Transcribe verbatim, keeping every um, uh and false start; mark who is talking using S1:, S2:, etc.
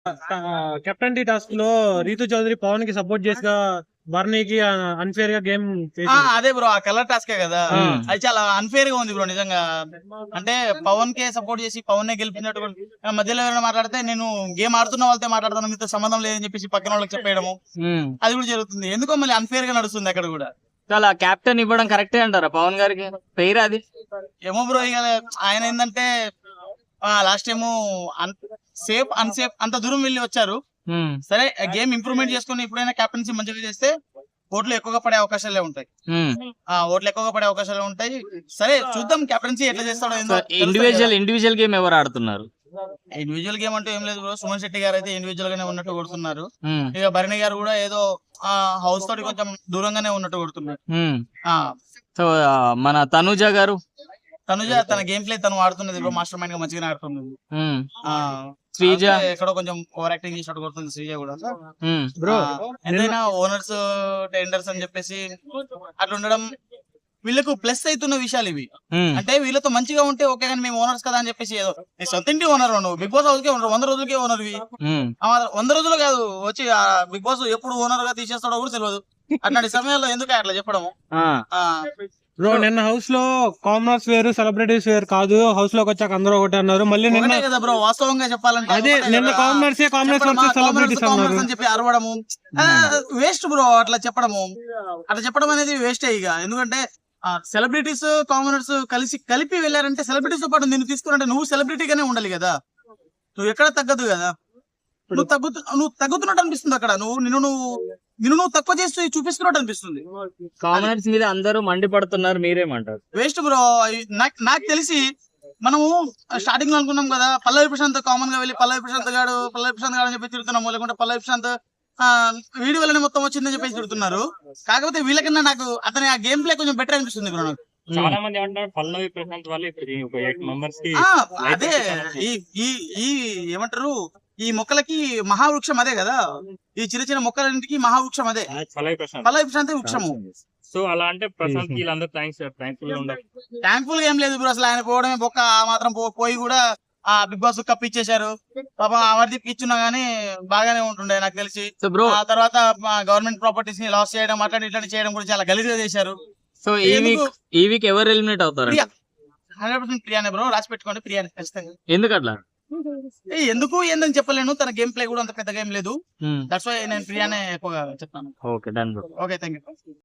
S1: Captain tea task లో రీతు చౌదరి పవన్ కి support చేసిగా బర్నీకి అన్ఫేర్ గా గేమ్
S2: ఆ, అదే బ్రో ఆ కలర్ టాస్కే కదా. అది చాలా అన్ఫేర్ గా ఉంది బ్రో నిజంగా. అంటే పవన్ కే సపోర్ట్ చేసి పవన్ నే గెలిపినట్టు కూడా మధ్యలో ఎవరైనా మాట్లాడితే నేను గేమ్ ఆడుతున్న వాళ్ళతో మాట్లాడతాను, మీతో సంబంధం లేదని చెప్పేసి పక్కన వాళ్ళకి చెప్పేయడము అది కూడా జరుగుతుంది. ఎందుకో మళ్ళీ అన్ఫేర్ గా నడుస్తుంది అక్కడ కూడా.
S3: చాలా కెప్టెన్ ఇవ్వడం కరెక్టే అంటారా పవన్ గారికి? పేరు అది
S2: ఏమో బ్రో, ఇక ఆయన ఏంటంటే లాస్ట్ టైము సేఫ్ అన్సేఫ్ అంత దూరం వెళ్ళి వచ్చారు. సరే గేమ్ ఇంప్రూవ్మెంట్ చేసుకుని ఇప్పుడైనా కెప్టెన్సీ మంచిగా చేస్తే ఓట్లు ఎక్కువగా పడే అవకాశాలే ఉంటాయి. ఆ ఓట్లు ఎక్కువగా పడే అవకాశాలు ఉంటాయి. సరే చూద్దాం కెప్టెన్సీ ఎట్లా చేస్తాడో.
S3: ఇండివిజువల్ ఇండివిజువల్ గేమ్ ఎవరు ఆడుతున్నారు?
S2: ఇండివిజువల్ గేమ్ అంటే ఏం లేదు బ్రో, సుమన్ శెట్టి గారు అయితే ఇండివిజువల్ గానే ఉన్నట్టు కొడుతున్నారు. ఇక భరణి గారు కూడా ఏదో ఆ హౌస్ తోటి కొంచెం దూరంగానే ఉన్నట్టు కొడుతున్నారు.
S3: సో మన తనుజ గారు
S2: తనుజ తన గేమ్ ప్లే తను ఆడుతున్నది బ్రో, మాస్టర్ మైండ్ గా మంచిగానే ఆడుతున్నది.
S3: శ్రీజ
S2: ఎక్కడో కొంచెం ఓవర్ యాక్టింగ్ చేసినట్టు కొడుతుంది శ్రీజ కూడా. బ్రో ఎంతైనా ఓనర్స్ టెండర్స్ అని చెప్పేసి అట్లా ఉండడం వీళ్ళకు ప్లస్ అవుతున్న విషయాలు ఇవి. అంటే వీళ్ళతో మంచిగా ఉంటే ఓకే, కానీ మేము ఓనర్స్ కదా అని చెప్పేసి ఏదో సొంత ఇంటి ఓనర్ నువ్వు బిగ్ బాస్ హౌస్ కే ఓనర్, వంద రోజులకే ఓనర్ వి వంద రోజులు కాదు వచ్చి బిగ్ బాస్ ఎప్పుడు ఓనర్ గా తీసేస్తాడో కూడా తెలియదు. అట్లాంటి సమయాల్లో ఎందుకు అట్లా చెప్పడము?
S1: బ్రో నిన్న హౌస్ లో కామనర్స్ వేరు సెలబ్రిటీస్ వేరు కాదు, హౌస్ లోకి వచ్చాక అందరూ ఒకటి అన్నారు. మళ్ళీ నిన్న
S2: కదా బ్రో వాస్తవంగా చెప్పాలంటే
S1: అదే నిన్న కామనర్స్ కామనర్స్ సెలబ్రిటీస్ అన్నారు
S2: అని చెప్పి అరవడము వేస్ట్ బ్రో. అట్లా చెప్పడము అట్లా చెప్పడం అనేది వేస్టే ఇక. ఎందుకంటే సెలబ్రిటీస్ కామనర్స్ కలిసి కలిపి వెళ్ళారంటే సెలబ్రిటీస్ తో పాటు నిన్ను తీసుకున్నట్టే నువ్వు సెలబ్రిటీగానే ఉండాలి కదా. నువ్వు ఎక్కడ తగ్గదు కదా. నువ్వు తగ్గుతు నువ్వు తగ్గుతున్నట్టు అనిపిస్తుంది అక్కడ. నువ్వు నిన్ను నువ్వు నిన్ను నువ్వు తక్కువ చేస్తూ చూపిస్తున్నట్టు అనిపిస్తుంది.
S3: కామనర్స్ మీద అందరూ మండిపడుతున్నారు, మీరేమంటారు?
S2: Waste bro. నాకు తెలిసి మనము స్టార్టింగ్ లో అనుకున్నాం కదా పల్లవి ప్రశాంత్ కామన్ గా వెళ్ళి పల్లవి ప్రశాంత్ గాడు పల్లవి ప్రశాంత్ గాడు అని చెప్పి తిడుతున్నాము, లేకుంటే పల్లవి ప్రశాంత్ ఆ వీడి వల్లనే మొత్తం వచ్చిందని చెప్పేసి తిడుతున్నారు. కాకపోతే వీళ్ళకన్నా నాకు అతని ఆ గేమ్ ప్లే కొంచెం బెటర్ అనిపిస్తుంది బ్రో నాకు.
S4: చాలా మంది ఏమంటారు పల్లవి ప్రశాంత్ వల్ల ఇప్పుడు ఎయిట్ మెంబర్స్ కి
S2: అదే ఈ ఈ ఏమంటారు ఈ మొక్కలకి మహావృక్షం అదే కదా. ఈ చిన్న చిన్న మొక్కలన్నింటికి మహావృక్షం అదే
S4: పల్లవి ప్రశాంత్.
S2: పల్లవి ప్రశాంత్ వృక్షము.
S4: సో అలా అంటే ప్రశాంత్ వీళ్ళందరూ థ్యాంక్స్ థ్యాంక్ఫుల్ గా ఉండాలి.
S2: థ్యాంక్ఫుల్ గా ఏం లేదు బ్రో, అసలు ఆయన పోవడమే బొక్క. ఆ మాత్రం పోయి కూడా ఆ బిగ్ బాస్ కప్ ఇచ్చేశారు. పాపం అమర్దీప్ ఇచ్చున్నా గానీ బాగానే ఉంటుండే నాకు తెలిసి. ఆ తర్వాత గవర్నమెంట్ ప్రాపర్టీస్ ని లాస్ చేయడం అట్లాంటి ఇట్లాంటి చేయడం కూడా చాలా గలీజ్గా చేశారు.
S3: సో ఈ వీక్ ఈ వీక్ ఎవరు ఎలిమినేట్ అవుతారు?
S2: హండ్రెడ్ పర్సెంట్ ప్రియానే బ్రో, రాసి పెట్టుకోండి ప్రియానే ఖచ్చితంగా.
S3: ఎందుకట్లా?
S2: ఎందుకు ఏందని చెప్పలేను, తన గేమ్ ప్లే కూడా అంత పెద్ద గేమ్ లేదు. దట్స్ వై నేను ప్రియానే ఎక్కువగా చెప్తాను.
S3: Okay done bro.
S2: Okay thank you.